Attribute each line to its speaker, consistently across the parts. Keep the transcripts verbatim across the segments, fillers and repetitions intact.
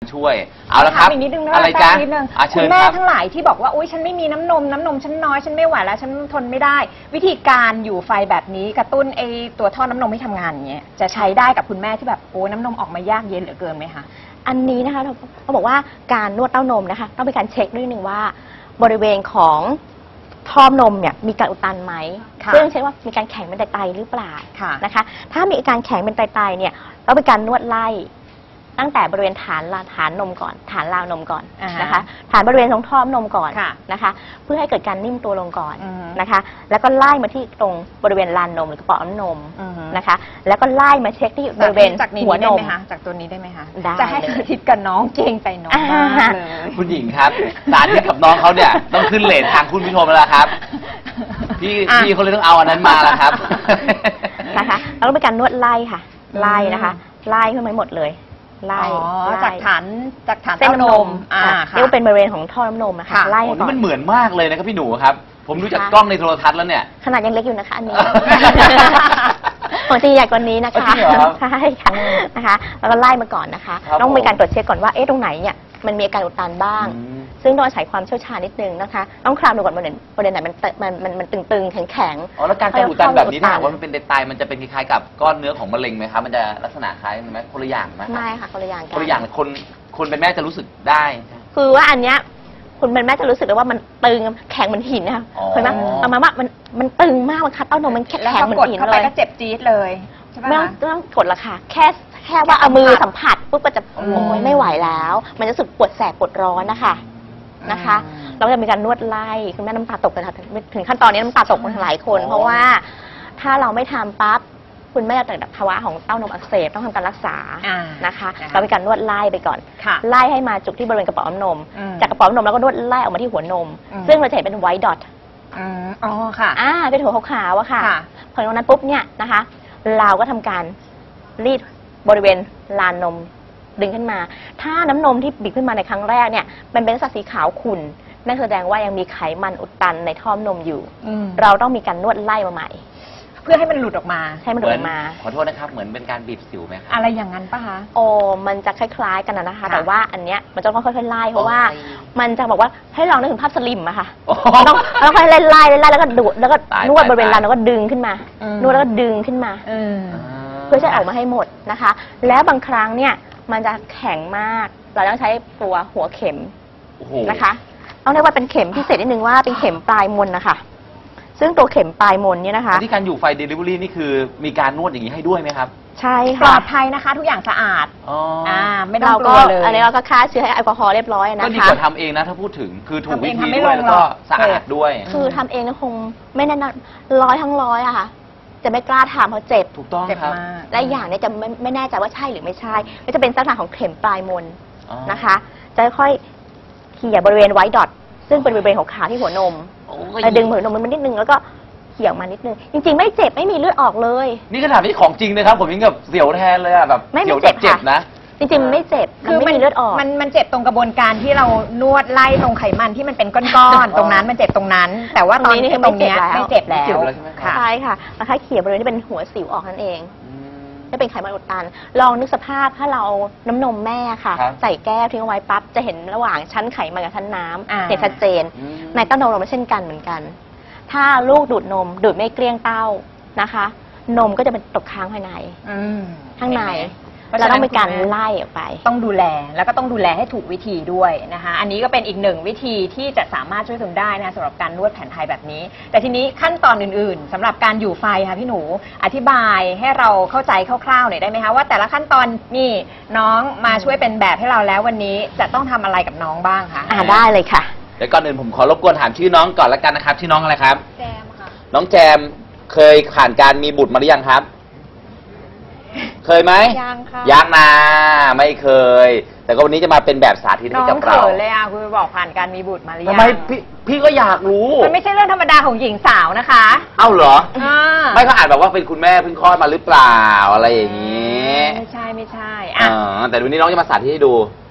Speaker 1: ช่วยเอาละครับ
Speaker 2: อีกนิดนึงนะ
Speaker 1: อะไรจ๊ะ
Speaker 2: นิดนึง
Speaker 1: คุณ
Speaker 2: แม่ทั้งหลายที่บอกว่าอุ้ยฉันไม่มีน้ำนมน้ำนมฉันน้อยฉันไม่ไหวแล้วฉันทนไม่ได้วิธีการอยู่ไฟแบบนี้กระตุ้นไอตัวท่อน้ำนมให้ทำงานอย่างเงี้ยจะใช้ได้กับคุณแม่ที่แบบโอ้น้ำนมออกมายากเย็นเหลือเกินไหมคะ
Speaker 3: อันนี้นะคะเราบอกว่าการนวดเต้านมนะคะต้องเป็นการเช็คด้วยหนึ่งว่าบริเวณของท่อนมเนี่ยมีการอุดตันไหมซึ่งเช็คว่ามีการแข็งเป็นไตๆหรือเปล่านะคะถ้ามีอาการแข็งเป็นไตๆเนี่ยต้องเป็นการนวดไล่ตั้งแต่บริเวณฐานฐานนมก่อนฐานราวนมก่อนนะคะฐานบริเวณตรงท่อนมก่อนนะคะเพื่อให้เกิดการนิ่มตัวลงก่อนนะคะแล้วก็ไล่มาที่ตรงบริเวณลานนมหรือกระเป๋านมนะคะแล้วก็ไล่มาเช็คที่บริเวณหัวนม
Speaker 2: จากตัวนี้ได้ไหมคะ
Speaker 3: ได้
Speaker 2: จะให้สาธิตกับน้องเก่งใจน้องมากเลย
Speaker 1: คุณหญิงครับสาธิตกับน้องเขาเนี่ยต้องขึ้นเลททางคุณผู้ชมแล้วครับพี่พี่เขาเลยต้องเอาอันนั้นมาแล้วครับ
Speaker 3: นะคะแล้วก็เป็นการนวดไล่ค่ะไล่นะคะไล่ขึ้นมาหมดเลยไล่
Speaker 2: จากฐานจากฐาน
Speaker 3: เส้นนมเรียกว่าเป็นบริเวณของท่อน้ำนมนะคะไล่
Speaker 1: ก่อนมันเหมือนมากเลยนะครับพี่หนูครับผมดูจากกล้องในโทรทัศน์แล้วเนี่ย
Speaker 3: ขนาดยังเล็กอยู่นะคะอันนี้ปกติใหญ่กว่านี้นะคะใช่ค่ะนะคะแล้วก็ไล่มาก่อนนะคะต้องมีการตรวจเช็คก่อนว่าเอ๊ะตรงไหนเนี่ยมันมีอาการอุดตันบ้างซึ่งต้องอาศัยความเชี่ยวชาญนิดนึงนะคะต้องคลำดูก่อนบริเวณบริเวณไหนมันมันมันมันตึงๆแข็งๆ
Speaker 1: อ๋อแล้วการอุดตันแบบนี้ถ้าว่ามันเป็นไตมันจะเป็นคล้ายๆกับก้อนเนื้อของมะเร็งไหมครับมันจะลักษณะคล้ายไหมคนละอย่างไหม
Speaker 3: ไม่ค่ะคนละอย่างกัน
Speaker 1: คนละอย่างคนคนเป็นแม่จะรู้สึกได้
Speaker 3: คือว่าอันเนี้ยคุณเป็นแม่จะรู้สึกเลยว่ามันตึงแข็งเหมือนหินนะคะเห็นไหมเอามาว่ามันมันตึงมากมันคัดเต้านมมันแข็งเหมือนหินเลย
Speaker 2: ก็เจ็บจี๊ดเลย
Speaker 3: ไม่ต้องต้องกดละค่ะแค่แค่ว่าเอามือสัมผัสปุ๊บก็จะโอ้ยไม่ไหวแล้วมันจะรู้สึกปวดแสบปวดร้อนนะคะนะคะเราจะมีการนวดไล่คุณแม่น้ำตาตกเลยค่ะถึงขั้นตอนนี้น้ำตาตกหลายคนเพราะว่าถ้าเราไม่ทำปั๊บคุณแม่จะเกิดภาวะของเต้านมอักเสบต้องทำการรักษานะคะเรามีการนวดไล่ไปก่อนไล่ให้มาจุกที่บริเวณกระป๋องนมจากกระป๋องนมแล้วก็นวดไล่ออกมาที่หัวนมซึ่งเราจะเห็นเป็นไวท์ดอท
Speaker 2: อ๋อค่ะ
Speaker 3: อ่าเป็นหัวขาวๆอะค่ะพอตรงนั้นปุ๊บเนี่ยนะคะเราก็ทำการรีดบริเวณลานนมดึงขึ้นมาถ้าน้ำนมที่บีบขึ้นมาในครั้งแรกเนี่ยมันเป็นสัดสีขาวขุ่นนั่นแสดงว่ายังมีไขมันอุดตันในท่อนมอยู่เราต้องมีการนวดไล่มาใหม่
Speaker 2: เพื่อให้มันหลุดออกมา
Speaker 3: ให้มันหลุดออกมา
Speaker 1: ขอโทษนะครับเหมือนเป็นการบีบสิวไหมครับ
Speaker 2: อะไรอย่างนั้นปะคะ
Speaker 3: โอ้มันจะคล้ายๆกันนะคะแต่ว่าอันเนี้ยมันจะต้องค่อยๆไล่เพราะว่ามันจะบอกว่าให้ลองนึกถึงภาพสลิมอะค่ะต้องต้องค่อยๆไล่ไล่ไล่แล้วก็ดูดแล้วก็นวดบริเวณลานแล้วก็ดึงขึ้นมานวดแล้วก็ดึงขึ้นมาเพื่อจะออกมาให้หมดนะคะแล้วบางครั้งเนี่ยมันจะแข็งมากเราต้องใช้ตัวหัวเข็มนะคะต้องเรียกว่าเป็นเข็มพิเศษนิดนึงว่าเป็นเข็มปลายมนนะคะซึ่งตัวเข็มปลายมนเนี่ยนะคะ
Speaker 1: ที่การอยู่ไฟเดลิเวอรี่นี่คือมีการนวดอย่างนี้ให้ด้วยไหมครับ
Speaker 3: ใช่ค่ะ
Speaker 2: ปลอดภัยนะคะทุกอย่างสะอาด
Speaker 1: อ๋อ
Speaker 2: ไม่ต้องกลัวเลย
Speaker 3: อันนี้เราก็ฆ่าเชื้อให้แอลกอฮอล์เรียบร้อยนะคะ
Speaker 1: ก็ดีกว่าทำเองนะถ้าพูดถึงคือถูกวิธีด้วยแล้วก็สะอาดด้วย
Speaker 3: คือทำเองคงไม่แน่นอนร้อยทั้งร้อยอะค่ะจะไม่กล้าทำเพราะเจ็บ
Speaker 1: ถูกต้องครับ
Speaker 3: และอย่างนี้จะไม่ไม่แน่ใจว่าใช่หรือไม่ใช่ก็จะเป็นลักษณะของเข็มปลายมนนะคะจะค่อยเขี่ยบริเวณไวท์ดอทซึ่งเป็นบริเวณของขาที่หัวนมดึงหัวนมมันนิดนึงแล้วก็เขี่ยมานิดนึงจริงๆไม่เจ็บไม่มีเลือดออกเลย
Speaker 1: นี่ขนาดที่ของจริงนะครับผมยังแบบเสียวแทนเลยอะแบบ
Speaker 3: ไม่
Speaker 1: เ
Speaker 3: จ็บ
Speaker 1: เจ็บนะ
Speaker 3: จริงๆไม่เจ็บคือไม่มีเลือดออก
Speaker 2: มันมันเจ็บตรงกระบวนการที่เรานวดไล่ตรงไขมันที่มันเป็นก้อนๆตรงนั้นมันเจ็บตรงนั้นแต่ว่าตอนนี้ตรงนี้ไม่เจ็บแล้ว
Speaker 3: ใช่ค่ะแล้วถ้าเขี่ยบริเวณที่เป็นหัวสิวออกนั่นเองจะเป็นไขมันอุดตันลองนึกสภาพถ้าเราน้ำนมแม่ค่ะใส่แก้วทิ้งเอาไว้ปั๊บจะเห็นระหว่างชั้นไขมันกับชั้นน้ำเห็นชัดเจนในเต้านมเราไม่เช่นกันเหมือนกันถ้าลูกดูดนมดูดไม่เกลี้ยงเต้านะคะนมก็จะเป็นตกค้างภายในข้างในเราต้องมีการไล่ออกไป
Speaker 2: ต้องดูแลแล้วก็ต้องดูแลให้ถูกวิธีด้วยนะคะอันนี้ก็เป็นอีกหนึ่งวิธีที่จะสามารถช่วยคุณได้นะสำหรับการนวดแผนไทยแบบนี้แต่ทีนี้ขั้นตอนอื่นๆสำหรับการอยู่ไฟค่ะพี่หนูอธิบายให้เราเข้าใจคร่าวๆหน่อยได้ไหมคะว่าแต่ละขั้นตอนนี่น้องมาช่วยเป็นแบบให้เราแล้ววันนี้จะต้องทำอะไรกับน้องบ้างคะ
Speaker 3: อ่าได้เลยค่ะ
Speaker 1: เดี๋ยวก่อนอื่นผมขอรบกวนถามชื่อน้องก่อนละกันนะครับชื่อน้องอะไรครับ
Speaker 4: แจมค่ะ
Speaker 1: น้องแจมเคยผ่านการมีบุตรมาหรือยังครับเคยไหม
Speaker 4: ยังค่ะ
Speaker 1: ยังนะไม่เคยแต่ก็วันนี้จะมาเป็นแบบสาธิตให้กับเรา
Speaker 2: น้องเขินเลยอ่ะคุณบอกผ่านการมีบุตรมาหรือยัง
Speaker 1: ทำไมพี่พี่ก็อยากรู้
Speaker 2: มันไม่ใช่เรื่องธรรมดาของหญิงสาวนะคะ
Speaker 1: เอ้าเหรอไม่เขาอาจแบบว่าเป็นคุณแม่เพิ่งคลอดมาหรือเปล่าอะไรอย่างนี้
Speaker 2: ไม่ใช่ไม่ใช่
Speaker 1: อ่าแต่วันนี้น้องจะมาสาธิตให้ดู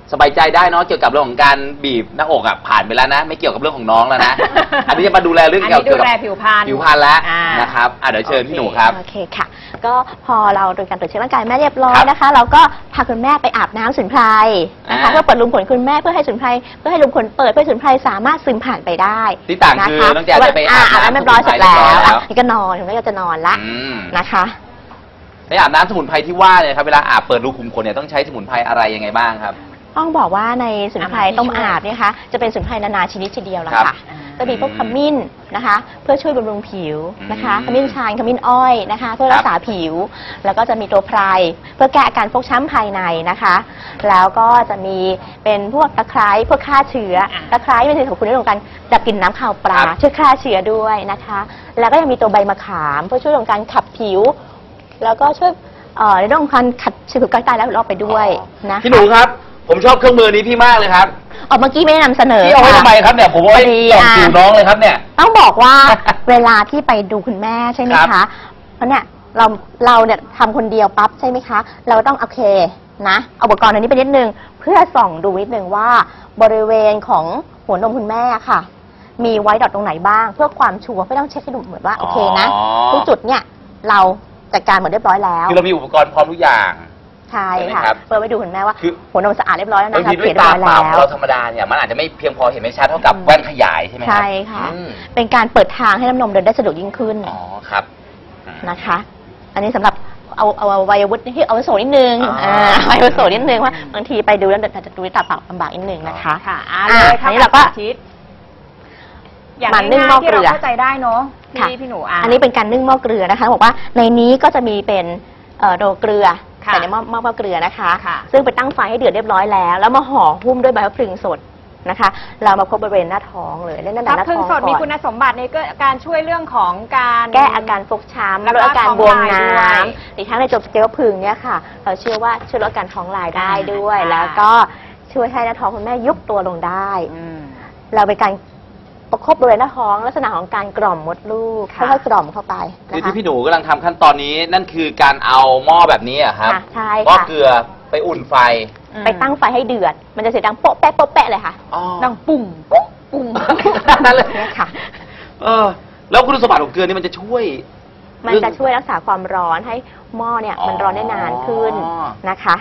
Speaker 1: สบายใจได้เนาะเกี่ยวกับเรื่องของการบีบหน้าอกอ่ะผ่านไปแล้วนะไม่เกี่ยวกับเรื่องของน้องแล้วนะ อันนี้จะมาดูแลเรื่องเกี่ยวกับ
Speaker 2: ดูแลผิวพรรณ
Speaker 1: ผิวพรรณแล้ว
Speaker 2: อ่าน
Speaker 1: นะครับอ่ะเดี๋ยวเชิญพี่หนูครับ
Speaker 3: โอเคค่ะ ก็พอเราโดยการตรวจเช็คร่างกายแม่เรียบร้อ
Speaker 1: ครั
Speaker 3: ย
Speaker 1: บ
Speaker 3: นะคะ เราก็พาคุณแม่ไปอาบน้ำสมุนไพรนะคะ
Speaker 1: อ่า
Speaker 3: เพื่อเปิดรูขุมขนคุณแม่เพื่อให้สมุนไพรเพื่อให้รูขุมขนเปิดเพื่อให้สมุนไพรสามารถซึมผ่านไปได้
Speaker 1: ที่ต่างคือน้องแจนจะไปอาบน้ำ
Speaker 3: อาบน้ำเรียบร้อยเสร็จแล้ว
Speaker 1: สมุนไพรเรียบร้อยแล้ว
Speaker 3: อ่ะนี่ก็นอนคุณแม่ก็จะนอนละ
Speaker 1: อืม
Speaker 3: นะคะ
Speaker 1: ในอาบน้ำสมุนไพรที่ว่าเนี่ยครับเวลาอาบเปิดรูขุมขนเนี่ยต้องใช้สมุนไพรอะไรยังไงบ้างครับ
Speaker 3: ต้องบอกว่าในสมุนไพรต้มอาบเนี่ยนะคะจะเป็นสมุนไพรนานาชนิดทีเดียวละ
Speaker 1: ครับ
Speaker 3: ค่ะจะมีพวกขมิ้นนะคะ เพื่อช่วยบำรุงผิวนะคะ
Speaker 1: อืม
Speaker 3: ขมิ้นชันขมิ้นอ้อยนะคะ เพื่อรักษาผิว แล้วก็จะมีตัวไพรเพื่อแก้อาการฟกช้ำภายในนะคะ แล้วก็จะมีเป็นพวกตะไคร้เพื่อฆ่าเชื้อ
Speaker 2: อ่า
Speaker 3: ตะไคร้เป็นสิ่งสำคัญในเรื่องของการดับกลิ่นน้ำขาวปลา
Speaker 1: ครับ
Speaker 3: ช่วยฆ่าเชื้อด้วยนะคะ แล้วก็ยังมีตัวใบมะขามเพื่อช่วยเรื่องการขับผิว แล้วก็ช่วยเอ่อในเรื่องของการขัดเชื้อผิวกายใต้แล้วรอบไปด้วยนะคะ
Speaker 1: พี่หนูครับ ผมชอบเครื่องมือนี้พี่มากเลยครับ
Speaker 3: ออกเมื่อกี้ไม่ได้นำเสนอ
Speaker 1: พี่เอาไว้
Speaker 3: ค่ะ
Speaker 1: ทำไมครับเนี่ยผมเอาไว้
Speaker 3: พอดี
Speaker 1: ส่อง
Speaker 3: อ่ะ
Speaker 1: ผิวน้องเลยครับเนี่ย
Speaker 3: ต้องบอกว่า เวลาที่ไปดูคุณแม่ใช่ไหม
Speaker 1: ครั
Speaker 3: คะ
Speaker 1: บ
Speaker 3: เพราะเนี่ยเราเราเนี่ยทำคนเดียวปั๊บใช่ไหมคะ เราต้องโอเคนะเอาอุปกรณ์อันนี้ไปนิดนึงเพื่อส่องดูนิดนึงว่าบริเวณของหัวนมคุณแม่ค่ะ มีไว้ดอทตรงไหนบ้าง เพื่อความชัวร์ไม่ต้องเช็คให้ดูเหมือนว่าโอเคนะ
Speaker 1: อ๋อ
Speaker 3: ทุกจุดเนี่ยเราจัดการหมดเรียบร้อยแล้ว
Speaker 1: คือเรามีอุปกรณ์พร้อมทุกอย่าง
Speaker 3: ใช่
Speaker 1: ใช่ไหม
Speaker 3: ค่ะ
Speaker 1: ครับ
Speaker 3: เพื่อไปดูคุณแม่ว่า
Speaker 1: คือ
Speaker 3: หัวนมสะอาดเรียบร้อยแล้ว
Speaker 1: บาง
Speaker 3: นะคะ
Speaker 1: ทีด้วย
Speaker 3: เรียบ
Speaker 1: ตา
Speaker 3: ร้อย
Speaker 1: เปล่า
Speaker 3: แล้
Speaker 1: ของ
Speaker 3: ว
Speaker 1: เราธรรมดาเนี่ยมันอาจจะไม่เพียงพอเห็นไม่ชัดเท่ากับแว่นขยายใช่ไหมครับ
Speaker 3: ใช่ค่ะ
Speaker 1: อืม
Speaker 3: เป็นการเปิดทางให้น้ำนมเดินได้สะดวกยิ่งขึ้น
Speaker 1: อ๋อครับอืม
Speaker 3: นะคะ อันนี้สำหรับเอาเอาเอาวัยวุฒิที่เอาวุโสนิดนึง
Speaker 1: อ่า
Speaker 3: อ่าวัยวุโสนิดนึงว่าบางทีไปดูแล้วอาจจะดูด้วยตาเปล่าลำบากนิดนึงนะคะ
Speaker 2: ค่ะอ่า
Speaker 3: อ่า
Speaker 2: เลยค่ะ
Speaker 3: อันนี้เราก็
Speaker 2: สธิตอย่าง
Speaker 3: มันนึ่ง
Speaker 2: ง่าย
Speaker 3: หม้อ
Speaker 2: ๆที่
Speaker 3: เกลื
Speaker 2: เรา
Speaker 3: อ
Speaker 2: เข้าใจได้เนาะ
Speaker 3: ค่ะ
Speaker 2: พี่พี่หนูอ่ะ
Speaker 3: อันนี้เป็นการนึ่งหม้อเกลือนะคะบอกว่าในนี้ก็จะมีเป็นเอ่อโดเกลือ
Speaker 2: ค่ะ
Speaker 3: ใส่ในหม้อหม้อเกลือนะคะ
Speaker 2: ค่ะ
Speaker 3: ซึ่งไปตั้งไฟให้เดือดเรียบร้อยแล้ว แล้วมาห่อหุ้มด้วยใบมะพร้าวสดนะคะ เรามาพบบริเวณหน้าท้องเลยเล่นตั้งแต่
Speaker 2: ทับ
Speaker 3: หน้า
Speaker 2: พึ่
Speaker 3: ท้
Speaker 2: ง
Speaker 3: อง
Speaker 2: สดมี
Speaker 3: ก่อน
Speaker 2: คุณสมบัติในก็การช่วยเรื่องของการ
Speaker 3: แก้อาการฟกช้ำ
Speaker 2: แล้ว
Speaker 3: ล
Speaker 2: ก็
Speaker 3: ดอาการ
Speaker 2: ท้อง
Speaker 3: บวม
Speaker 2: ลาย
Speaker 3: น้
Speaker 2: ด้วย
Speaker 3: ำอีกทั้งในจบสเกลพึงเนี่ยค่ะ เราเชื่อว่าช่วยลดอาการท้องลายได้ด้วย
Speaker 2: อ่า
Speaker 3: แล้วก็ช่วยให้หน้าท้องคุณแม่ยุบตัวลงได้
Speaker 2: อืม
Speaker 3: เราเป็นการประคบบริเวณหน้าท้องลักษณะของการกล่อมมดลูก
Speaker 2: ค่ะ
Speaker 3: ค่อยๆกล่อมเข้าไป
Speaker 1: คือ
Speaker 3: นะคะ
Speaker 1: ที่พี่หนูกำลังทำขั้นตอนนี้นั่นคือการเอาหม้อแบบนี้อะครับ
Speaker 3: ค่ะใช่
Speaker 1: หม้อ
Speaker 3: ค่ะ
Speaker 1: เกลือไปอุ่นไฟ
Speaker 3: ไปตั้งไฟให้เดือด มันจะเสียงดังโป๊ะแป๊ะโป๊ะแป๊ะเลยค่ะ
Speaker 1: อ๋อ
Speaker 2: ดังปุ่งปุ๊งปุ่ง
Speaker 1: นั่นเลย
Speaker 3: เนี่ยค่ะ
Speaker 1: เออ แล้วคุณสมบัติของเกลือนี่มันจะช่วย
Speaker 3: มันจะช่วยรักษาความร้อนให้หม้อเนี่ยมันร้อนได้นานขึ้น
Speaker 1: อ๋อ
Speaker 3: นะคะ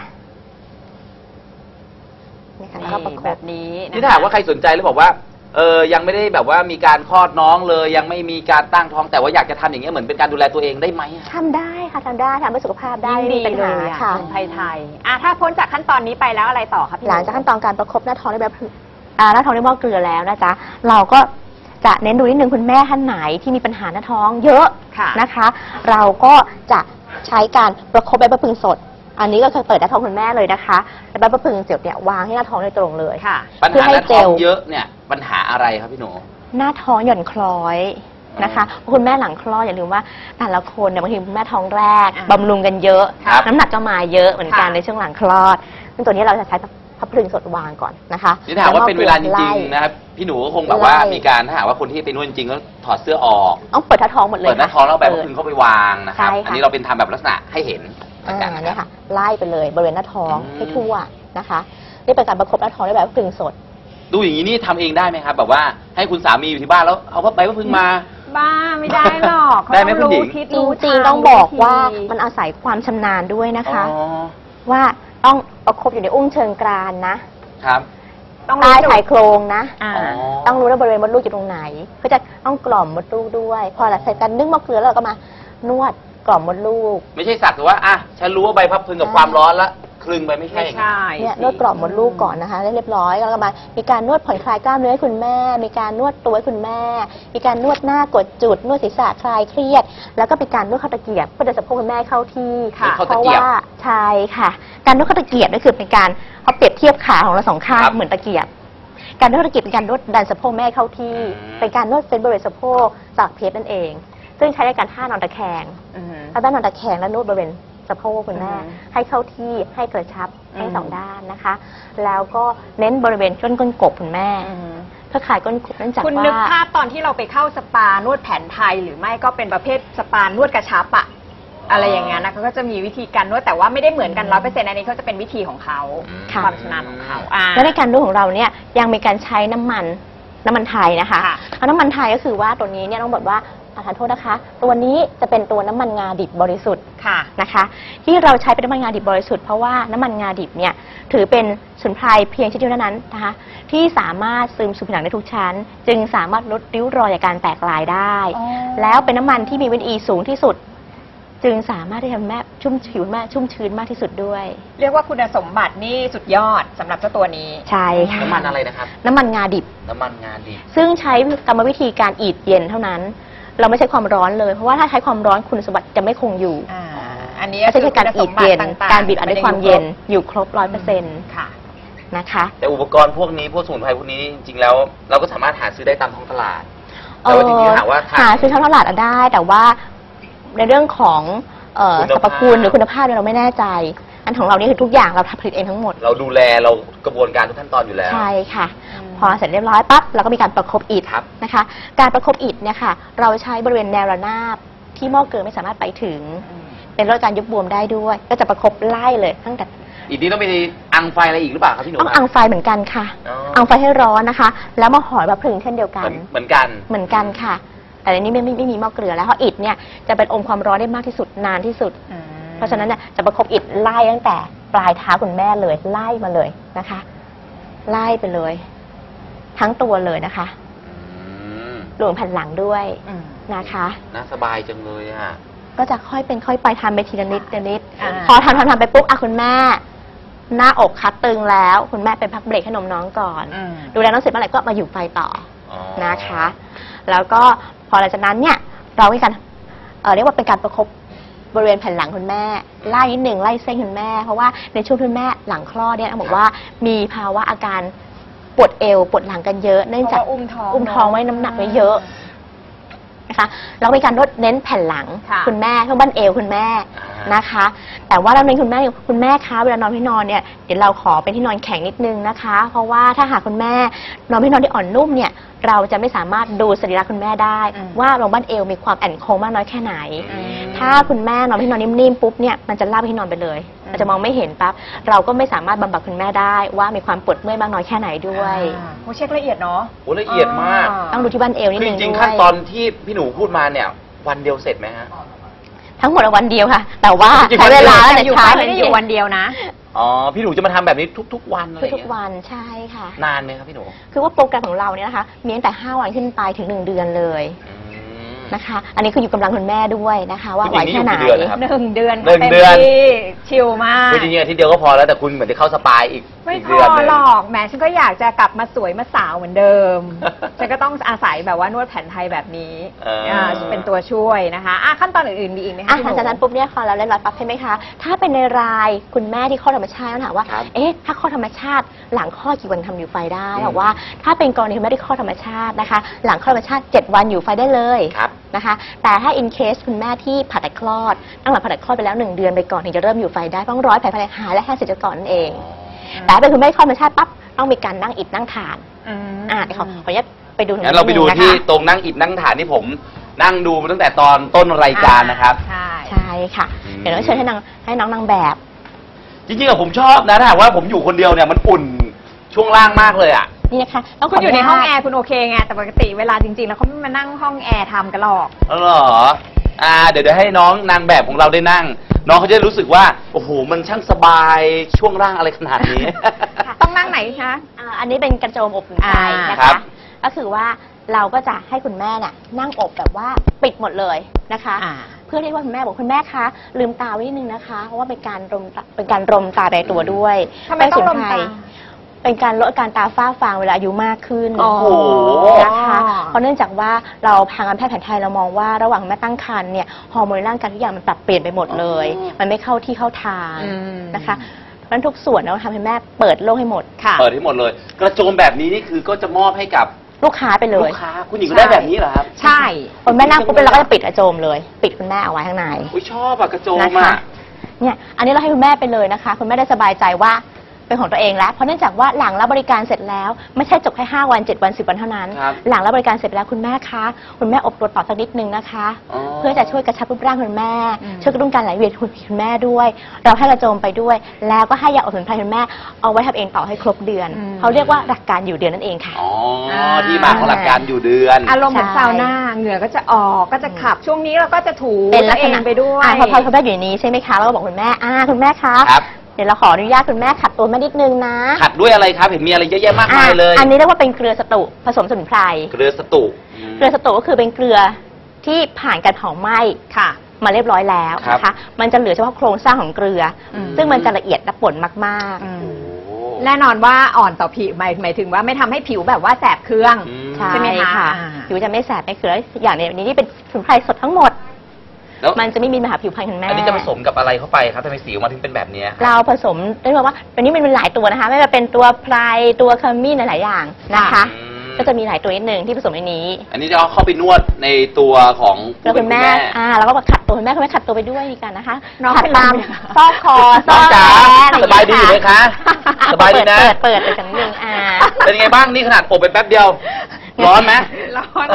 Speaker 3: นี่ค่ะแล้วก็ประค
Speaker 2: แบบ บนี้นะคะ
Speaker 1: นี่ถ้าหากว่าใครสนใจแล้วบอกว่าเออยังไม่ได้แบบว่ามีการคลอดน้องเลย ยังไม่มีการตั้งท้องแต่ว่าอยากจะทำอย่างเงี้ยเหมือนเป็นการดูแลตัวเองได้ไหมอะ
Speaker 3: ทำได้ค่ะทำได้ทำเพื่อสุขภาพได้
Speaker 2: ยิ่ง
Speaker 3: ไม่
Speaker 2: ดี
Speaker 3: มีปัญ
Speaker 2: เล
Speaker 3: หาย
Speaker 2: อ่ะ
Speaker 3: ค่ะ
Speaker 2: สมุนไพรไทยอ่ะถ้าพ้นจากขั้นตอนนี้ไปแล้วอะไรต่อคะพี่
Speaker 3: หลังจากขั้นตอนการประคบหน้าท้องด้วยแบบอ่าหน้าท้องด้วยหม้อเกลือแล้วนะจ๊ะเราก็จะเน้นดูนิดนึงคุณแม่ท่านไหนที่มีปัญหาหน้าท้องเยอะ
Speaker 2: ค่ะ
Speaker 3: นะคะ เราก็จะใช้การประคบใบมะพร้าวสด อันนี้ก็คือเปิดหน้าท้องคุณแม่เลยนะคะแล้วใบมะพร้าวเสียบเนี่ยวางให้หน้าท้องโดยตรงเลย
Speaker 2: ค่ะ
Speaker 1: ปัญ
Speaker 3: เพื่อ
Speaker 1: หา
Speaker 3: ให้
Speaker 1: หน้า
Speaker 3: เจ
Speaker 1: ท้อง
Speaker 3: ล
Speaker 1: เยอะเนี่ยปัญหาอะไรครับพี่หนู
Speaker 3: หน้าท้องหย่อนคล้อยนะคะเพราะคุณแม่หลังคลอดอย่าลืมว่าแต่ละคนเนี่ยบางทีคุณแม่ท้องแรก
Speaker 2: อ่า
Speaker 3: บำรุงกันเยอะ
Speaker 1: ครับ
Speaker 3: น้ำหนักก็มาเยอะเหมือนกัน
Speaker 2: ค่ะ
Speaker 3: ในช่วงหลังคลอดซึ่งตัวนี้เราจะใช้พับพลึงสดวางก่อนนะคะ
Speaker 1: นี่ถ้าหากว่าเป็นเวลาจริงๆ
Speaker 3: นะ
Speaker 1: นะครับพี่หนูก็คงแบบว่า
Speaker 3: ไล่
Speaker 1: มีการถ้าหากว่าคนที่ไปนวดจริงๆก็ถอดเสื้อออก
Speaker 3: ต้องเปิดหน้าท้องหมดเลย
Speaker 1: เปิดหน้า
Speaker 3: ค่ะ
Speaker 1: ท้องแล้วเอาใบมะ
Speaker 3: เปิ
Speaker 1: พ
Speaker 3: ด
Speaker 1: ร้าวเข้าไปวางนะครับ
Speaker 3: ใช่ค่ะ
Speaker 1: อันนี้เราเป็นทำแบบลักษณะให้เห็นละ
Speaker 3: อ่า
Speaker 1: กันนะ
Speaker 3: เนี่ย
Speaker 1: ครั
Speaker 3: ค่ะ
Speaker 1: บ
Speaker 3: ไล่ไปเลยบริเวณหน้าท้อง
Speaker 1: อืม
Speaker 3: ให้ทั่วนะคะนี่เป็นการประคบหน้าท้องด้วยแบบพลึงสด
Speaker 1: ดูอย่างนี้นี่ทำเองได้ไหมครับ แบบว่าให้คุณสามีอยู่ที่บ้านแล้วเอาใบมะพร้าวมา
Speaker 2: บ้าไม่ได้หรอกเขา
Speaker 1: ได้ไหม
Speaker 2: ต้อง
Speaker 1: คุณหญิ
Speaker 2: รู้
Speaker 1: ง
Speaker 2: ทิศ
Speaker 3: จ
Speaker 2: รู้
Speaker 3: ริง
Speaker 2: ทา
Speaker 3: ๆต้องบอกว่า
Speaker 2: วิธี
Speaker 3: มันอาศัยความชำนาญด้วยนะคะ
Speaker 1: อ๋อ
Speaker 3: ว่าต้องประคบอยู่ในอุ้งเชิงกรานนะ
Speaker 1: ครับ
Speaker 2: ต้อง
Speaker 3: ใต้
Speaker 2: รู้จุด
Speaker 3: ชายโครงนะ
Speaker 2: อ่า
Speaker 1: อ๋อ
Speaker 3: ต้องรู้ว่าบริเวณมดลูกอยู่ตรงไหนเพื่อจะต้องกล่อมมดลูกด้วย พอหลังจากการนึ่งมะเขือแล้วเราก็มานวดกล่อมมดลูก
Speaker 1: ไม่ใช่สักแต่ว่าอ่ะฉันรู้ว่าใบพับพึงกับความร้อนแล้วคลึงไปไม่ใช่
Speaker 2: ไม่ใช่
Speaker 3: เนี่ย
Speaker 2: สิ
Speaker 3: นวดกล่อมมดลูกก่อนนะคะได้เรียบร้อยแล้วก็มามีการนวดผ่อนคลายกล้ามเนื้อให้คุณแม่ มีการนวดตัวให้คุณแม่ มีการนวดหน้ากดจุดนวดศีรษะคลายเครียด แล้วก็เป็นการนวดข้อตะเกียบเพื่อจะสะโพกคุณแม่เข้าที่
Speaker 1: ค่ะ
Speaker 3: เพราะว่าใช่ค่ะ การนวดข้อตะเกียบนี่คือเป็นการเขาเปรียบเทียบขาของเราสองข้าง
Speaker 1: ครับ
Speaker 3: เหมือนตะเกียบ การนวดข้อตะเกียบเป็นการนวดดันสะโพกแม่เข้าที่
Speaker 1: อืม
Speaker 3: เป็นการนวดเฟ้นบริเวณสะโพกจากเพชรนั่นเอง ซึ่งใช้ในการท่านอนตะแคง
Speaker 2: อืม
Speaker 3: ถ้าด้านนอนตะแคงแล้วนวดบริเวณสะโพกคุณแม่
Speaker 2: อืม
Speaker 3: ให้เข้าที่ให้กระชับทั้ง
Speaker 2: อืม
Speaker 3: สองด้านนะคะ แล้วก็เน้นบริเวณก้นก้นกบคุณแม่
Speaker 2: อืม
Speaker 3: เพื่อคลายก้นกบเนื่องจาก
Speaker 2: คุณนึก
Speaker 3: ว่า
Speaker 2: ภาพตอนที่เราไปเข้าสปานวดแผนไทย หรือไม่ก็เป็นประเภทสปานวดกระชับอะอะไรอย่างเงี้ยนะเขาก็จะมีวิธีการนวดแต่ว่าไม่ได้เหมือนกันร้อยเปอร์เซ็นต์อันนี้เขาจะเป็นวิธีของเขา
Speaker 3: ค่ะ
Speaker 2: ความชำนาญของเขาอ่า
Speaker 3: และในการนวดของเราเนี่ยยังมีการใช้น้ำมันน้ำมันไทยนะคะ
Speaker 2: ค่ะ
Speaker 3: เอาน้ำมันไทยก็คือว่าตัวนี้เนี่ยต้องบอกว่าประทานโทษนะคะ ตัวนี้จะเป็นตัวน้ำมันงาดิบบริสุทธิ์
Speaker 2: ค่ะ
Speaker 3: นะคะ ที่เราใช้เป็นน้ำมันงาดิบบริสุทธิ์เพราะว่าน้ำมันงาดิบเนี่ยถือเป็นสมุนไพรเพียงชนิดเดียวเท่านั้นนะคะที่สามารถซึมสู่ผิวหนังได้ทุกชั้น จึงสามารถลดริ้วรอยจากการแตกลายได้
Speaker 2: อ๋อ
Speaker 3: แล้วเป็นน้ำมันที่มีวิตามินอีสูงที่สุด จึงสามารถที่ทำให้แม่ชุ่มผิวแม่ชุ่มชื้นมากที่สุดด้วย
Speaker 2: เรียกว่าคุณสมบัตินี่สุดยอดสำหรับเจ้าตัวนี้
Speaker 3: ใช่ค่ะ
Speaker 1: น้ำมันอะไรนะครับ
Speaker 3: น้ำมันงาดิบ
Speaker 1: น้ำมันงาดิบ
Speaker 3: ซึ่งใช้กรรมวิธีการอีดเย็นเท่านั้น เราไม่ใช้ความร้อนเลย เพราะว่าถ้าใช้ความร้อนคุณสมบัติจะไม่คงอยู่
Speaker 2: อ่าอันนี้
Speaker 3: ไม่ใช่แค่การอีดเย็น การบีบอัดด้วยความเย็นอยู่ครบร้อยเปอร์เซ็นต์
Speaker 2: ค่ะ
Speaker 3: นะคะ
Speaker 1: แต่อุปกรณ์พวกนี้พวกสมุนไพรพวกนี้จริงๆแล้ว เราก็สามารถหาซื้อได้ตามท้องตลาด แต่ว่าจริงๆหาว่าทาง
Speaker 3: หาซื้อท้องตลาดได้ แต่ว่าในเรื่องของเอ่อ
Speaker 1: คุณ
Speaker 3: สร
Speaker 1: ภาพ
Speaker 3: รพคุณหรือคุณภาพเนี่ยเราไม่แน่ใจ อันของเรานี่คือทุกอย่างเราผลิตเองทั้งหมด
Speaker 1: เราดูแลเรากระบวนการทุกขั้นตอนอยู่แล้ว
Speaker 3: ใช่ค่ะ
Speaker 2: อืม
Speaker 3: พอเสร็จเรียบร้อยปั๊บเราก็มีการประคบอิฐ
Speaker 1: ครับ
Speaker 3: นะคะ การประคบอิฐเนี่ยค่ะ เราใช้บริเวณแนวระนาบที่หม้อเกลือไม่สามารถไปถึง เป็นลดการยุบบวมได้ด้วย ก็จะประคบไล่เลยตั้งแต่
Speaker 1: อีกนี้ต้องไปอังไฟอะไรอีกหรือเปล่าครับพี่หนู
Speaker 3: ต้อง
Speaker 1: ครับ
Speaker 3: อังไฟเหมือนกันค่ะ
Speaker 1: อ๋ออั
Speaker 3: อังไฟให้ร้อนนะคะ แล้วมาห่อแบบผึ่งเช่นเดียวกั
Speaker 1: เหมือน นเหมือนกัน
Speaker 3: เหมือนกันค่ะ แต่ในนี้ไม่ไม่ไม่มีหม้อเกลือแล้วเพราะอิฐเนี่ยจะเป็นอมความร้อนได้มากที่สุดนานที่สุด
Speaker 2: อืม
Speaker 3: เพราะฉะนั้นเนี่ยจะประคบอิฐไล่ตั้งแต่ปลายเท้าคุณแม่เลยไล่มาเลยนะคะ ไล่ไปเลย ทั้งตัวเลยนะคะ
Speaker 1: อืม
Speaker 3: รวมแผ่นหลังด้วย
Speaker 2: อืม
Speaker 3: นะคะ
Speaker 1: น่าสบายจังเลยอ่ะ
Speaker 3: ก็จะค่อยเป็นค่อยไปทำไปทีละนิดทีละนิด
Speaker 2: อ่า
Speaker 3: พอทำทำทำไปปุ๊บอ่ะคุณแม่ หน้าอกคัดตึงแล้ว คุณแม่ไปพักเบรกให้นมน้องก่อน
Speaker 2: อืม
Speaker 3: ดูแลน้องเสร็จเมื่อไหร่ก็มาอยู่ไฟต่อ
Speaker 1: อ๋อ
Speaker 3: นะคะ แล้วก็พอหลังจากนั้นเนี่ยเราให้การเอ่อเรียกว่าเป็นการประคบบริเวณแผ่นหลังคุณแม่ ไล่นิดหนึ่งไล่เส้นคุณแม่ เพราะว่าในช่วงที่คุณแม่หลังคลอดเนี่ยต้องบอกว่ามีภาวะอาการปวดเอวปวดหลังกันเยอะเนื่องจาก
Speaker 2: เพราะว่าอุ้มท้อง
Speaker 3: อุ้มท้องไว้น้ำหนักไว้เยอะนะคะแล้วมีการนวดเน้นแผ่นหลัง
Speaker 2: ค่ะ
Speaker 3: คุณแม่เพื่อบั้นเอวคุณแม่
Speaker 1: อ่าน
Speaker 3: นะคะ แต่ว่าเราเน้นคุณแม่คุณแม่คะเวลานอนที่นอนเนี่ยเดี๋ยวเราขอเป็นที่นอนแข็งนิดนึงนะคะ เพราะว่าถ้าหากคุณแม่นอนที่นอนที่อ่อนนุ่มเนี่ยเราจะไม่สามารถดูสรีระคุณแม่ได้
Speaker 2: อืม
Speaker 3: ว่าลงบั้นเอวมีความแอนโค้งมากน้อยแค่ไหน
Speaker 1: อืม
Speaker 3: ถ้าคุณแม่นอนที่นอนนิ่มๆปุ๊บเนี่ยมันจะลาบไปที่นอนไปเลย
Speaker 2: อืม
Speaker 3: มันจะมองไม่เห็นปั๊บเราก็ไม่สามารถบำบัดคุณแม่ได้ว่ามีความปวดเมื่อยมากน้อยแค่ไหนด้วย
Speaker 2: อ่าโอ้เช็คละเอียดเนาะ
Speaker 1: โอ้ละเอียดมาก
Speaker 3: ต้องดูที่บั้นเอวนิด
Speaker 1: คือ
Speaker 3: นึ
Speaker 1: จ
Speaker 3: ง
Speaker 1: ริง
Speaker 3: ด้
Speaker 1: ๆ
Speaker 3: ว
Speaker 1: ขั้น
Speaker 3: ย
Speaker 1: ตอนที่พี่หนูพูดมาเนี่ย วันเดียวเสร็จไหมฮะ
Speaker 3: ทั้งหมดวันเดียวค่ะ แต่ว่า
Speaker 1: จริงๆ
Speaker 3: ใช้เวลา
Speaker 1: วัน
Speaker 3: ตั้ง
Speaker 1: เดี
Speaker 3: แต่
Speaker 1: ยว
Speaker 3: เช้า
Speaker 2: ไม่ได้อยู่วันเดียวนะ
Speaker 1: อ๋อ พี่หนูจะมาทำแบบนี้ทุก ๆ วันอะไรอย่าง
Speaker 3: ทุก
Speaker 1: เงี้ย
Speaker 3: ๆวันใช่ค่ะ
Speaker 1: นานไหมครับพี่หนู
Speaker 3: คือว่าโปรแกรมของเราเนี่ยนะคะ มีตั้งแต่ห้าวันขึ้นไปถึงหนึ่งเดือนเลย
Speaker 1: อืม
Speaker 3: นะคะ อันนี้คืออยู่กำลังคุณแม่ด้วยนะคะ ว่า
Speaker 1: คุณ
Speaker 3: ไหว
Speaker 1: หญิงนี่
Speaker 3: แค่ไหน
Speaker 1: อยู่กี่เดือนนะครับ
Speaker 2: หนึ่งเดือน
Speaker 1: หนึ่ง
Speaker 2: ต็ม
Speaker 1: เดือน
Speaker 2: ที่ชิลมาก
Speaker 1: คือจริงๆอาทิตย์เดียวก็พอแล้วแต่คุณเหมือนจะเข้าสปายอีก
Speaker 2: ไม่
Speaker 1: อีก
Speaker 2: พ
Speaker 1: เดือน
Speaker 2: อ
Speaker 1: หนึง
Speaker 2: หรอกแหมฉันก็อยากจะกลับมาสวยมาสาวเหมือนเดิ ม ฉันก็ต้องอาศัยแบบว่านวดแผนไทยแบบนี้
Speaker 1: เอออ่
Speaker 2: าเป็นตัวช่วยนะคะอ่ะขั้นตอนอื่นๆมีอีกไหมคะ
Speaker 3: อ่ะ
Speaker 2: พี่
Speaker 3: หลังจากนั้นปุ๊บเนี่ยพอเราเล่นร้อยปั๊บใช่ไหมคะ ถ้าเป็นในรายคุณแม่ที่คลอดธรรมชาติต้องถามว่า
Speaker 1: ครับ
Speaker 3: เอ๊ะ ถ้าคลอดธรรมชาติ หลังคลอดกี่วันทำอยู่ไฟได้
Speaker 1: อืม
Speaker 3: บอกว่าถ้าเป็นกรณีคุณแม่ที่คลอดธรรมชาตินะคะ หลังคลอดธรรมชาติเจ็ดวันอยู่ไฟได้เลย
Speaker 1: ครับ
Speaker 3: นะคะ แต่ถ้า in case คุณแม่ที่ผ่าตัดคลอด ตั้งหลังผ่าตัดคลอดไปแล้วหนึ่งเดือนไปก่อนถึงจะเริ่มอยู่ไฟได้ต้องร้อยแผลภายในหายและแค่เสร็จก่อนนั่นเอง แต่ถ้าเป็นคุณแม่ที่คลอดธรรมชาติปั๊บต้องมีการนั่งอิดนั่งฐาน
Speaker 2: อืม
Speaker 3: อ่ะเดี๋ยวขอขออนุญาตไปดูตรง
Speaker 1: งั้
Speaker 3: นี้
Speaker 1: นเราไปดู
Speaker 3: นินึงนะคะ
Speaker 1: ที่ตรงนั่งอิฐนั่งฐานที่ผมนั่งดูมาตั้งแต่ตอนต้นรายการนะครับ
Speaker 2: ใช่
Speaker 3: ใช่ค่ะ
Speaker 1: อืม
Speaker 3: เดี๋ยวต้องเชิญให้นางให้น้องนางแบบ
Speaker 1: จริงๆอะผมชอบนะถ้าหากว่าผมอยู่คนเดียวเนี่ยมันอุ่นช่วงล่างมากเลยอ่ะ
Speaker 3: นี่นะคะต้อง
Speaker 2: คุณอยู่ใน
Speaker 3: ข
Speaker 2: ห้อง
Speaker 3: ญาต
Speaker 2: แอร์คุณโอเคไงแต่ปกติเวลาจริงๆ แล้วเขาไม่มานั่งห้องแอร์ทำกันหรอก
Speaker 1: อ๋อเหรอ อ่า เดี๋ยวเดี๋ยวให้น้องนางแบบของเราได้นั่ง น้องเขาจะรู้สึกว่า โอ้โห มันช่างสบายช่วงล่างอะไรขนาดนี้
Speaker 2: ต้องนั่งไหนคะ
Speaker 3: อ่าอันนี้เป็นกระโจมอบอุ่นใจ
Speaker 2: อ่าน
Speaker 3: นะ
Speaker 1: ครั
Speaker 3: คะ
Speaker 1: บ
Speaker 3: ก็คือว่าเราก็จะให้คุณแม่น่ะนั่งอบแบบว่าปิดหมดเลยนะคะ
Speaker 2: อ่า
Speaker 3: เพื่อที่ว่าคุณแม่บอกคุณแม่คะลืมตาไว้นิดนึงนะคะ เพราะว่าเป็นการรมตาเป็นการรมตาในตัวด้วย
Speaker 2: ทำไมต้องรมตา
Speaker 3: เป็นการลดอาการตาฝ้าฟางเวลาอายุมากขึ้น
Speaker 2: อ๋อ
Speaker 1: โอ้โห
Speaker 3: นะคะเพราะเนื่องจากว่าเราทางการแพทย์แผนไทยเรามองว่าระหว่างแม่ตั้งครรภ์เนี่ยฮอร์โมนในร่างกายทุกอย่างมันปรับเปลี่ยนไปหมดเลย
Speaker 1: อ๋อ
Speaker 3: มันไม่เข้าที่เข้าทาง
Speaker 2: อืม
Speaker 3: นะคะเพราะฉะนั้นทุกส่วนเราทำให้แม่เปิดโลกให้หมด
Speaker 2: ค่ะ
Speaker 1: เปิดให้หมดเลย กระโจมแบบนี้นี่คือก็จะมอบให้กับ
Speaker 3: ลูกค้าไปเล
Speaker 1: ลู
Speaker 3: ย
Speaker 1: กค้า คุณหญิงก็ได้แบบนี้เหรอครับ
Speaker 2: ใช่
Speaker 3: คนแม่นั่งปุ๊บเราก็จะปิดกระโจมเลย ปิดคุณแม่เอาไว้ข้างใน
Speaker 1: อุ้ยชอบอะกระโจม
Speaker 3: นะคะ
Speaker 1: อะ
Speaker 3: เนี่ยอันนี้เราให้คุณแม่ไปเลยนะคะ คุณแม่ได้สบายใจว่าเป็นของตัวเองแล้วเพราะเนื่องจากว่าหลังรับบริการเสร็จแล้วไม่ใช่จบแค่ห้าวันเจ็ดวันสิบวันเท่านั้นหลังรับบริการเสร็จแล้วคุณแม่คะคุณแม่อบตัวต่อสักนิดนึงนะคะเพื่อจะช่วยกระชับรูปร่างคุณแม่ช่วยกระตุ้นการไหลเวียนของคุณแม่ด้วยเราให้กระโจมไปด้วยแล้วก็ให้ยาอบสมุนไพรคุณแม่เอาไว้ทำเองต่อให้ครบเดือนเขาเรียกว่าหลักการอยู่เดือนนั่นเองค่ะ
Speaker 1: อ๋อที่มาของหลักการอยู่เดือน
Speaker 2: อารมณ์เหมือนซาวน่าเหงื่อก็จะออกก็จะขับช่วงนี้เราก็จะถู
Speaker 3: เป็นลักษณะ
Speaker 2: ไปด้วย
Speaker 3: พอพอคุณแม่อยู่นี้ใช่ไหมคะเราก็บอกคุณแม่อ่าคุณแม่คะเดี๋ยวเราขออนุญาตคุณแม่ขัดตัวแม่นิดนึงนะ
Speaker 1: ขัดด้วยอะไรครับเห็นมีอะไรเยอะแยะมากมายเลย
Speaker 3: อันนี้เรียกว่าเป็นเกลือสตุผสมสมุนไพร
Speaker 1: เกลือสตุ
Speaker 3: เกลือสตุก็คือเป็นเกลือที่ผ่านการเผาไหม้
Speaker 2: ค่ะ
Speaker 3: มาเรียบร้อยแล้วนะคะมันจะเหลือเฉพาะโครงสร้างของเกลือซึ่งมันจะละเอียดและป่นมาก
Speaker 2: ๆแน่นอนว่าอ่อนต่อผิวหมายหมายถึงว่าไม่ทำให้ผิวแบบว่าแสบเคืองใช่ไหมคะผิวจะไม่แสบไม่เคืองอย่างนี้นี่เป็นสมุนไพรสดทั้งหมดมันจะไม่มีปัญหาผิวพรรณคุณแม่
Speaker 1: อันนี้จะผสมกับอะไรเข้าไปครับทำไมสีออกมาถึงเป็นแบบนี้
Speaker 3: เราผสมได้บอกว่าตอนนี้มันเป็นหลายตัวนะคะไม่ว่าเป็นตัวไพรตัวขมิ้นหลายอย่างนะคะก็จะมีหลายตัวนิดนึงที่ผสมในนี้
Speaker 1: อันนี้จะเอาเข้าไปนวดในตัวของ
Speaker 3: คุณแม่อ่าแล้วก็ขัดตัวคุณแม่คุณแม่ขัดตัวไปด้วยกันนะคะขัดตามซอกคอซอก
Speaker 1: แขนสบายดีไหมคะสบายดีนะ
Speaker 3: เปิดเปิดไปกันนึงอ่า
Speaker 1: เป็นไงบ้างนี่ขนาดอบไปแป๊บเดียวร้อนไหม
Speaker 2: ร้อน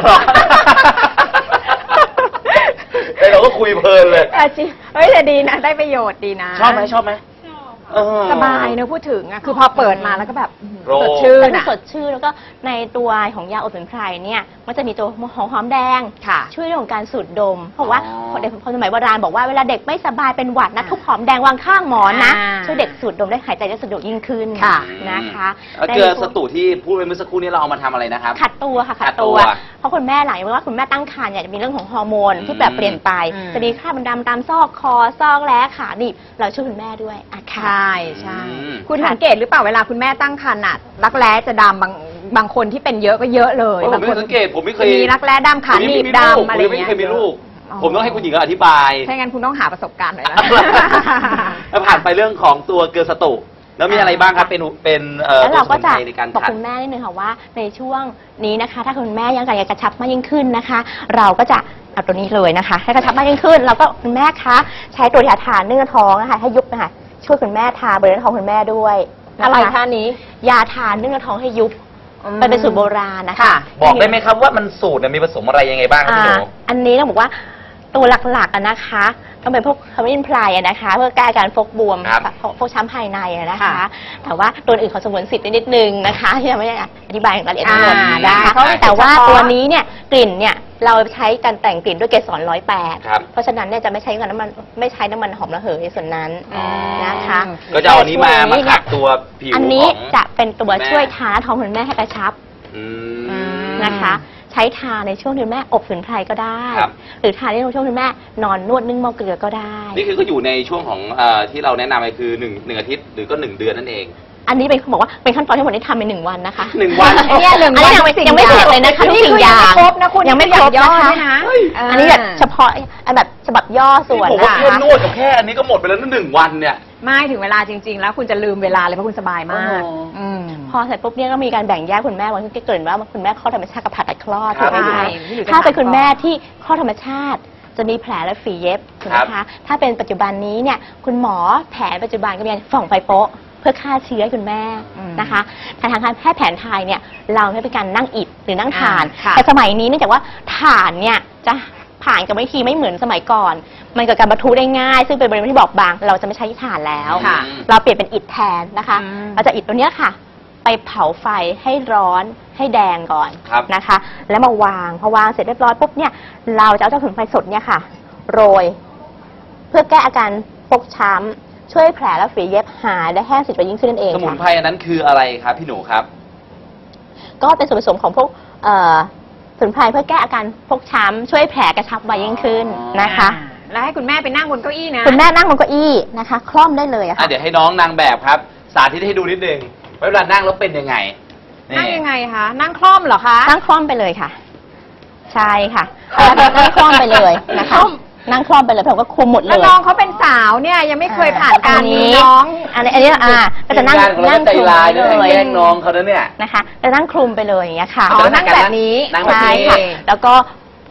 Speaker 1: เราก็คุยเพลินเลย
Speaker 2: จริงเฮ้ยแต่ดีนะได้ประโยชน์ดีนะ
Speaker 1: ชอบไหมชอบไหม
Speaker 2: สบายเนอะพูดถึงอะคือพอเปิดมาแล้วก็แบบสดชื่น
Speaker 3: อะสดชื่นแล้วก็ในตัวของยาอบสมุนไพรเนี่ยมันจะมีตัวหอมหอมแดงช่วยเรื่องของการสูดดมเพราะว่าเด็กคนสมัยโบราณบอกว่าเวลาเด็กไม่สบายเป็นหวัดนะทุบหอมแดงวางข้างหมอนนะช่วยเด็กสูดดมได้หายใจได้สะดวกยิ่งขึ้นนะคะ
Speaker 1: เกลือสตุที่พูดไปเมื่อสักครู่นี้เราเอามาทำอะไรนะครับ
Speaker 3: ขัดตัวค่ะขัดตัวเพราะคุณแม่หลังว่าคุณแม่ตั้งครรภ์เนี่ยจะมีเรื่องของฮอร์โมนที่แบบเปลี่ยนไปจะมีคราบดำตามซอกคอซอกแร้ขาหนีบเราช่วยคุณแม่ด้วยอ่ะค่ะ
Speaker 2: ใช่ใช่คุณสังเกตหรือเปล่าเวลาคุณแม่ตั้งครรภ์น่ะรักแร้จะดำบางบางคนที่เป็นเยอะก็เยอะเลย
Speaker 1: บางคนสังเกตผมไม่เคย
Speaker 2: มีรักแร้ดำขาหนีบดำอะไรอย่างเงี้ย
Speaker 1: ไม่เคยมีลูกผมต้องให้คุณหญิงอธิบาย
Speaker 2: ใช่งั้นคุณต้องหาประสบการณ์หน่อยนะ
Speaker 1: แล้วผ่านไปเรื่องของตัวเกลือสตุแล้วมีอะไรบ้างครับเป็นเป็นเอ่อ
Speaker 3: แล้วเราก็จะบอกคุณแม่นิดนึงค่ะว่าในช่วงนี้นะคะถ้าคุณแม่ยังอยากกระชับมากยิ่งขึ้นนะคะเราก็จะเอาตัวนี้เลยนะคะให้กระชับมากยิ่งขึ้นเราก็คุณแม่คะใช้ตัวยาทาเนื้อท้องนะคะให้ยุบนะคะช่วยคุณแม่ทาบริเวณท้องคุณแม่ด้วย
Speaker 2: อะไรท่านี้
Speaker 3: ยาทาเนื้อท้องให้ยุบมันเป็นสูตรโบราณนะคะ
Speaker 1: บอกได้ไหมครับว่ามันสูตรเนี่ยมีผสมอะไรยังไงบ้างพี่หนู
Speaker 3: อันนี้ต้องบอกว่าตัวหลักๆนะคะต้องเป็นพวกขมิ้นไพรนะคะเพื่อแก้การฟกบวมฟกช้ำภายในนะคะแต่ว่าตัวอื่นขอสงวนสิทธิ์นิดนึงนะคะที่ยังไม่ได้อธิบายอย่างละเอียดทั้งหมดนะคะแต่ว่าตัวนี้เนี่ยกลิ่นเนี่ยเราใช้การแต่งกลิ่นด้วยเกสรร้อยแปดเพราะฉะนั้นเนี่ยจะไม่ใช้น้ำมันไม่ใช้น้ำมันหอมระเหยส่วนนั้นนะคะ
Speaker 1: ก็จะเอาอันนี้มามาขัดตัวผิว
Speaker 3: อันนี้จะเป็นตัวช่วยทาท้องคุณแม่ให้กระชับนะคะใช้ทาในช่วงที่แม่อบสมุนไพรก็ได้หรือทาในช่วงที่แม่นอนนวดนึ่งหม้อเกลือก็ได้
Speaker 1: นี่คือก็อยู่ในช่วงของที่เราแนะนำไปคือหนึ่งหนึ่งอาทิตย์หรือก็หนึ่งเดือนนั่นเอง
Speaker 3: อันนี้เป็นเขาบอกว่าเป็นขั้นตอนที่หมดที่ทำในหนึ่งวันนะคะ
Speaker 1: หนึ่งวัน
Speaker 3: เนี่ยหนึ่งวันยังไม่เสร็จเลยนะคะนี่คือยังไม่ครบนะคุณยังไม่ครบนะคะอันนี้แบบเฉพาะอันแบบฉบับย่อส่วน
Speaker 1: นะคะผมว่าแค่นวดกับแค่อันนี้ก็หมดไปแล้วนั่นหนึ่งวันเนี่ย
Speaker 2: ไม่ถึงเวลาจริงๆแล้วคุณจะลืมเวลาเลยเพราะคุณสบายมาก
Speaker 3: พอเสร็จปุ๊บเนี่ยก็มีการแบ่งแยกคุณแม่วันที่เกิดว่าคุณแม่คลอดธรรมชาติกับผ่าตัดคลอดถูกไหมคะถ้าเป็นคุณแม่ที่คลอดธรรมชาติจะมีแผลและฝีเย็บถูกไหมคะถ้าเป็นปัจจุบันนี้เนี่ยคุณหมอแผนปัจจุบันก็มีฝ่องไฟโป๊ะเพื่อฆ่าเชื้อให้คุณแม่นะคะแต่ทางการแพทย์แผนไทยเนี่ยเราไม่เป็นการนั่งอิฐหรือนั่งถ่านแต่สมัยนี้เนื่องจากว่าถ่านเนี่ยจะผ่านกับวิธีไม่เหมือนสมัยก่อนมันเกิดการบรรทุได้ง่ายซึ่งเป็นบริเวณที่บอบบางเราจะไม่ใช้ถ่านแล้วเราเปลี่ยนเป็นอิฐแทนนะคะเราจะอิฐตัวนี้ค่ะไปเผาไฟให้ร้อนให้แดงก่อนนะคะแล้วมาวางพอวางเสร็จเรียบร้อยปุ๊บเนี่ยเราจะเอาเจ้าสมุนไพรสดเนี่ยค่ะโรยเพื่อแก้อาการฟกช้ำช่วยแผลและฝีเย็บหายได้แห้งสิทธิ์ไปยิ่งขึ้นนั่นเอง
Speaker 1: สมุนไพรอันนั้นคืออะไรครับพี่หนูครับ
Speaker 3: ก็เป็นส่วนผสมของพวกสมุนไพรเพื่อแก้อาการฟกช้ำช่วยแผลกระชับไวยิ่งขึ้นนะคะ
Speaker 2: แล้วให้คุณแม่ไปนั่งบนเก้าอี้นะ
Speaker 3: คุณแม่นั่งบนเก้าอี้นะคะคล่อมได้เลยค่ะ
Speaker 1: เดี๋ยวให้น้องนางแบบครับสาธิตให้ดูนิดนึงเวลานั่งแล้วเป็นยังไง
Speaker 2: นั่งยังไงคะนั่งคล่อมเหรอคะ
Speaker 3: นั่งคล่อมไปเลยค่ะใช่ค่ะนั่งคล่อมไปเลยนะคะนั่งคล่อมไปเลยผมก็คุมหมดเลย
Speaker 2: แล้วน้องเขาเป็นสาวเนี่ยยังไม่เคยผ่านการมีน้อง
Speaker 3: อันนี้อันนี้อ่าก็จะนั่งนั่ง
Speaker 1: ใจลายเลยแย่งน้องเขาเนี่ย
Speaker 3: นะคะจะนั่งคลุมไปเลยอย่างเงี้ยค่ะ
Speaker 2: อ๋อนั่งแบบนี้
Speaker 3: ใช่ค่ะแล้วก็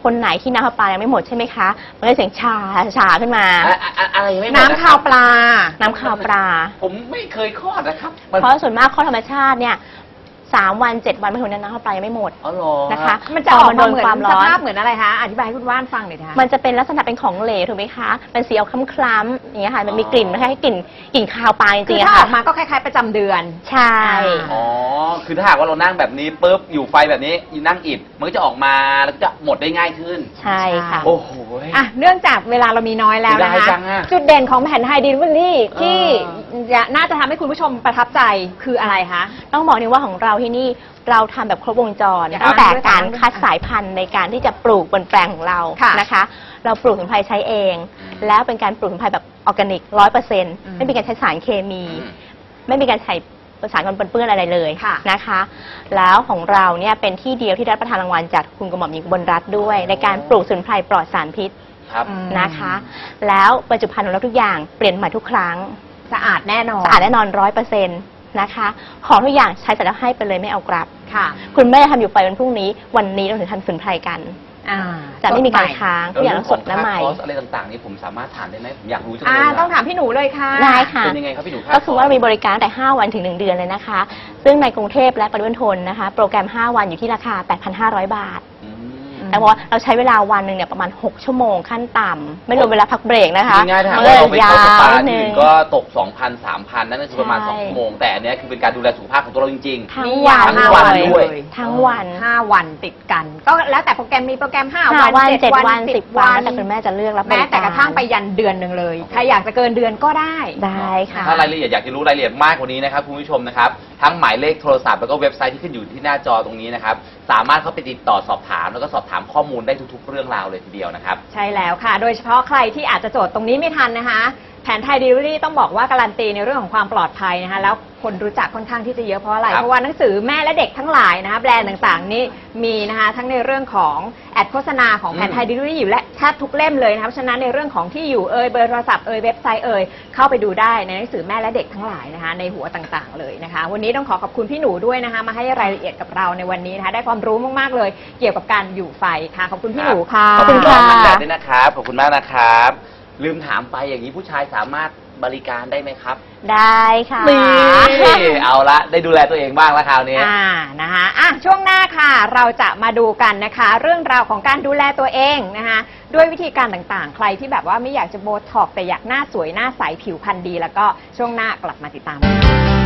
Speaker 3: คนไหนที่น้ำข้าวปลายังไม่หมดใช่ไหมคะมันก็เสียงชาชาขึ้นมา
Speaker 1: อะอะอะไรไม่หมด
Speaker 2: น้ำ
Speaker 1: นะค
Speaker 2: ข้า
Speaker 1: รั
Speaker 2: ว
Speaker 1: บ
Speaker 2: ปลา
Speaker 3: น้ำข้าวปลา
Speaker 1: ผมไม่เคยคลอดนะครับมัน
Speaker 3: เพราะส่วนมากข้อธรรมชาติเนี่ยสามวันเจ็ดวันไม่ถึงน้ำข้าวปลายังไม่หมด
Speaker 1: อ๋อเหรอ
Speaker 3: นะคะ
Speaker 2: มันจะออกมาเหมือน
Speaker 3: พอมันโดนความร้
Speaker 2: ส
Speaker 3: อน
Speaker 2: ภาพเหมือนอะไรคะอธิบายให้คุณว่านฟังหน่อยนะคะ
Speaker 3: มันจะเป็นลักษณะเป็นของเหลวถูกไหมคะเป็นสีออกคล้ำๆอย่างเงี้ยค่ะมันมีกลิ่นนะคะกลิ่นกลิ่นคาวปลาจ
Speaker 2: คื
Speaker 3: ริ
Speaker 2: อง
Speaker 3: ๆ
Speaker 2: ถ้า
Speaker 3: อะ
Speaker 2: อ
Speaker 3: ค่ะ
Speaker 2: อกมาก็คล้ายๆประจำเดือน
Speaker 3: ใช่
Speaker 1: อ๋อคือถ้าหากว่าเรานั่งแบบนี้ปุ๊บอยู่ไฟแบบนี้นั่งอิดมันก็จะออกมาแล้วก็จะหมดได้ง่ายขึ้น
Speaker 3: ใช่ค่ะ
Speaker 1: โอ้โห
Speaker 2: อ่ะเนื่องจากเวลาเรามีน้อยแล้วนะ
Speaker 1: ได้จั
Speaker 2: คะ
Speaker 1: งอะ
Speaker 2: จุดเด่นของแผ่นไทยดิลิเวอรี่ที่
Speaker 1: เออ
Speaker 2: จะน่าจะทำให้คุณผู้ชมประทับใจคืออะไรคะ
Speaker 3: ต้องบอกนี่ว่าของเราที่นี่เราทำแบบครบวงจร
Speaker 2: อยาก
Speaker 3: ตั้งแต่
Speaker 2: อ่านด้วย
Speaker 3: การ
Speaker 2: ค่ะ
Speaker 3: คัดสายพันธุ์ในการที่จะปลูกบนแปลงของเรา
Speaker 2: ค่ะ
Speaker 3: นะคะ เราปลูกสมุนไพรใช้เอง
Speaker 1: อืม
Speaker 3: แล้วเป็นการปลูกสมุนไพรแบบออร์แกนิกร้อยเปอร์เซ็นต์
Speaker 2: อืม
Speaker 3: ไม่มีการใช้สารเคมี
Speaker 1: อืม
Speaker 3: ไม่มีการใช้สารกันปนเปื้อนอะไรเลย
Speaker 2: ค่ะ
Speaker 3: นะคะ แล้วของเราเนี่ยเป็นที่เดียวที่ได้รับประทานรางวัลจากคุณกระหม่อมหญิงอุบลรัตน์ด้วย ในการปลูกสมุนไพรปลอดสารพิษ
Speaker 1: ครับ
Speaker 2: อืม
Speaker 3: นะคะ แล้วบรรจุภัณฑ์ของเราทุกอย่างเปลี่ยนใหม่ทุกครั้ง
Speaker 2: สะอาดแน่นอน
Speaker 3: สะอาดแน่นอนร้อยเปอร์เซ็นต์นะคะ ของทุกอย่างใช้เสร็จแล้วให้ไปเลยไม่เอากลับ
Speaker 2: ค่ะ
Speaker 3: คุณแม่ทำอยู่ไปวันพรุ่งนี้ วันนี้เราถึงทำสมุนไพรกัน
Speaker 2: อ่า
Speaker 3: จะไม่มีการ
Speaker 2: สดให
Speaker 3: ค้างทุกอย่างต้องสดและใหม่
Speaker 1: คอร์สอะไรต่างๆนี่ผมสามารถถามได้ไหมผมอยากรู้จังเลย
Speaker 2: อ่า
Speaker 1: อะ
Speaker 2: ต้องถามพี่หนูเลยค่ะ
Speaker 3: ได้ค่ะ
Speaker 1: เป็นยังไงครับพี่หนูรับ
Speaker 3: ก็คือว่ามีบริการตั้งแต่ห้าวันถึงหนึ่งเดือนเลยนะคะ ซึ่งในกรุงเทพและปริมณฑลนะคะ โปรแกรมห้าวันอยู่ที่ราคา แปดพันห้าร้อย บาท
Speaker 1: อืม
Speaker 3: แต่ว่าเราใช้เวลาวันหนึ่งเนี่ยประมาณหกชั่วโมงขั้นต่ำไม่รวมเวลาพักเบรกนะคะ
Speaker 1: ง่ายๆถ้าหาก
Speaker 3: มันก็
Speaker 1: ว่า
Speaker 3: เล
Speaker 1: เรา
Speaker 3: ย
Speaker 1: ไป
Speaker 3: ยา
Speaker 1: เข้าสปาว
Speaker 3: นิด
Speaker 1: ที่
Speaker 3: นึ
Speaker 1: อื่
Speaker 3: ง
Speaker 1: นก็ตก สองพัน สามพัน นั่นก็คือประมาณ
Speaker 3: ใช่
Speaker 1: สองชั่วโมง แต่อันเนี้ยคือเป็นการดูแลสุขภาพของตัวเราจริง
Speaker 3: ทั้ง
Speaker 2: นี่
Speaker 3: วัน
Speaker 2: ยาว
Speaker 1: ทั้งวัน
Speaker 2: เลย
Speaker 1: ด้วย
Speaker 3: ทั้งวัน
Speaker 2: ห้าวันติดกัน ก็แล้วแต่โปรแกรมมีโปรแกรมห้า
Speaker 3: ห้า
Speaker 2: วัน
Speaker 3: วัน
Speaker 2: เจ็
Speaker 3: เจ็
Speaker 2: ด
Speaker 3: ด
Speaker 2: วั
Speaker 3: วัน น
Speaker 2: สิ
Speaker 3: สิ
Speaker 2: บบ วั
Speaker 3: วัน
Speaker 2: น
Speaker 3: แล้วแต่คุณแม่จะเลือกรับบริ
Speaker 2: แม้
Speaker 3: การ
Speaker 2: แต่กระทั่งไปยันเดือนหนึ่งเลย ใครอยากจะเกินเดือนก็ได้
Speaker 3: ได้ค่ะ
Speaker 1: ๆ ถ้ารายละเอียดอยากจะรู้รายละเอียดมากกว่านี้นะครับคุณผู้ชมนะครับ ทั้งหมายเลขโทรศัพท์แล้วก็เว็บไซต์ที่ขึ้นอยู่ที่หน้าจอตรงนี้นะครับ สามารถเข้าไปติดต่อสอบถามแล้วก็สอบถามข้อมูลได้ทุกๆ เรื่องราวเลยทีเดียวนะครับ
Speaker 2: ใช่แล้วค่ะ โดยเฉพาะใครที่อาจจะโจทย์ตรงนี้ไม่ทันนะคะ แผนไทยดิลิเวอรี่ต้องบอกว่าการันตีในเรื่องของความปลอดภัยนะคะ แล้วคนรู้จักค่อนข้างที่จะเยอะเพราะอะไร
Speaker 1: ครับ
Speaker 2: เพราะว่าหนังสือแม่และเด็กทั้งหลายนะคะแบรนด์ต่างๆ นี่มีนะคะทั้งในเรื่องของแอดโฆษณาของแผนไทยดิลิเวอรี่อยู่และแทบทุกเล่มเลยนะคะเพราะฉะนั้นในเรื่องของที่อยู่เอ่ยเบอร์โทรศัพท์เอ่ยเว็บไซต์เอ่ยเข้าไปดูได้ในหนังสือแม่และเด็กทั้งหลายนะคะในหัวต่างๆเลยนะคะ วันนี้ต้องขอขอบคุณพี่หนูด้วยนะคะมาให้รายละเอียดกับเราในวันนี้นะคะได้ความรู้มากๆเลย เกี่ยวกับการอยู่ไฟค่ะขอบคุณพี่หนูค่ะ
Speaker 1: ขอบคุณ
Speaker 3: ขอบ
Speaker 1: น้
Speaker 3: คุ
Speaker 1: อง
Speaker 3: ณ
Speaker 1: นั
Speaker 3: ค่ะ
Speaker 1: นแดดด้วยนะครับ ขอบคุณมากนะครับ ลืมถามไปอย่างนี้ผู้ชายสามารถบริการได้ไหมครับ
Speaker 3: ได้ค่ะ
Speaker 1: นี่เอาละได้ดูแลตัวเองบ้างแล้วคราวนี้
Speaker 2: อ่านะคะอ่ะช่วงหน้าค่ะเราจะมาดูกันนะคะ เรื่องราวของการดูแลตัวเองนะคะด้วยวิธีการต่างๆ ใครที่แบบว่าไม่อยากจะโบท็อกซ์แต่อยากหน้าสวยหน้าใสผิวพรรณดี แล้วก็ช่วงหน้ากลับมาติดตามกัน